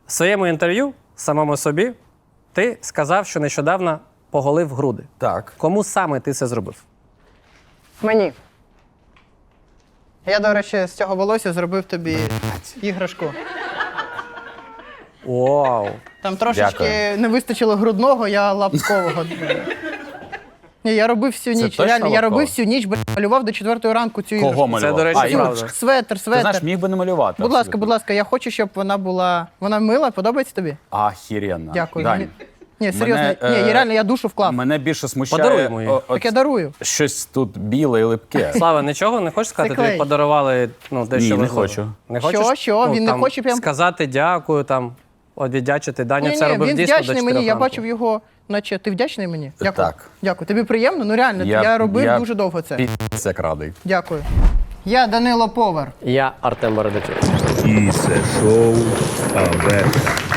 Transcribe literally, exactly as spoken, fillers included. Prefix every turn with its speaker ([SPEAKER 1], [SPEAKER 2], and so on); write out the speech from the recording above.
[SPEAKER 1] В своєму інтерв'ю самому собі ти сказав, що нещодавно поголив груди.
[SPEAKER 2] Так.
[SPEAKER 1] Кому саме ти це зробив?
[SPEAKER 3] Мені. Я, до речі, з цього волосся зробив тобі іграшку.
[SPEAKER 1] Вау!
[SPEAKER 3] Там трошечки
[SPEAKER 2] Дякую.
[SPEAKER 3] не вистачило грудного, я лапкового. Ні, я робив всю
[SPEAKER 2] Це
[SPEAKER 3] ніч.
[SPEAKER 2] точно
[SPEAKER 3] Реально, я
[SPEAKER 2] лапково?
[SPEAKER 3] робив всю ніч, б**, малював до четвертої ранку цю іграшку.
[SPEAKER 2] Кого малював?
[SPEAKER 1] Це, до речі,
[SPEAKER 2] а,
[SPEAKER 1] правда.
[SPEAKER 2] іграшку.
[SPEAKER 3] Светер,
[SPEAKER 2] Ти
[SPEAKER 3] светер.
[SPEAKER 2] знаєш, міг би не малювати.
[SPEAKER 3] Будь ласка,
[SPEAKER 2] абсолютно.
[SPEAKER 3] будь ласка, я хочу, щоб вона була... Вона мила, подобається тобі?
[SPEAKER 2] Ахіренно.
[SPEAKER 3] Дякую.
[SPEAKER 2] Дань,
[SPEAKER 3] Мені- Ні, серйозно.
[SPEAKER 2] мене,
[SPEAKER 3] Ні,
[SPEAKER 2] е,
[SPEAKER 3] я реально, я душу вклав.
[SPEAKER 2] Мене більше смущає
[SPEAKER 1] Подаруємо їй.
[SPEAKER 2] о- от
[SPEAKER 3] Так я дарую.
[SPEAKER 2] щось тут біле і липке.
[SPEAKER 1] Слава, нічого не хочеш сказати?
[SPEAKER 3] клей.
[SPEAKER 1] Тобі подарували ну, дещо
[SPEAKER 2] Ні, не
[SPEAKER 1] важливе.
[SPEAKER 2] хочу.
[SPEAKER 1] Не
[SPEAKER 3] Що,
[SPEAKER 1] хочеш?
[SPEAKER 3] що?
[SPEAKER 1] Ну,
[SPEAKER 3] Він не
[SPEAKER 1] там,
[SPEAKER 3] хоче прям-
[SPEAKER 1] сказати дякую, там, одвідячити. Даня
[SPEAKER 3] Ні,
[SPEAKER 1] це
[SPEAKER 3] ні,
[SPEAKER 1] робив
[SPEAKER 3] він
[SPEAKER 1] дійсно до
[SPEAKER 3] вдячний
[SPEAKER 1] чотирьох
[SPEAKER 3] мені, я
[SPEAKER 1] ранку.
[SPEAKER 3] бачив його, наче ти вдячний мені? Дякую.
[SPEAKER 2] Так.
[SPEAKER 3] Дякую. Тобі приємно? Ну реально, я, робив
[SPEAKER 2] я
[SPEAKER 3] дуже довго це.
[SPEAKER 2] Пі***ць як радий.
[SPEAKER 3] Дякую. Я Данило Повар.
[SPEAKER 1] Я Артем Бородачук.
[SPEAKER 4] І це шоу Аверта.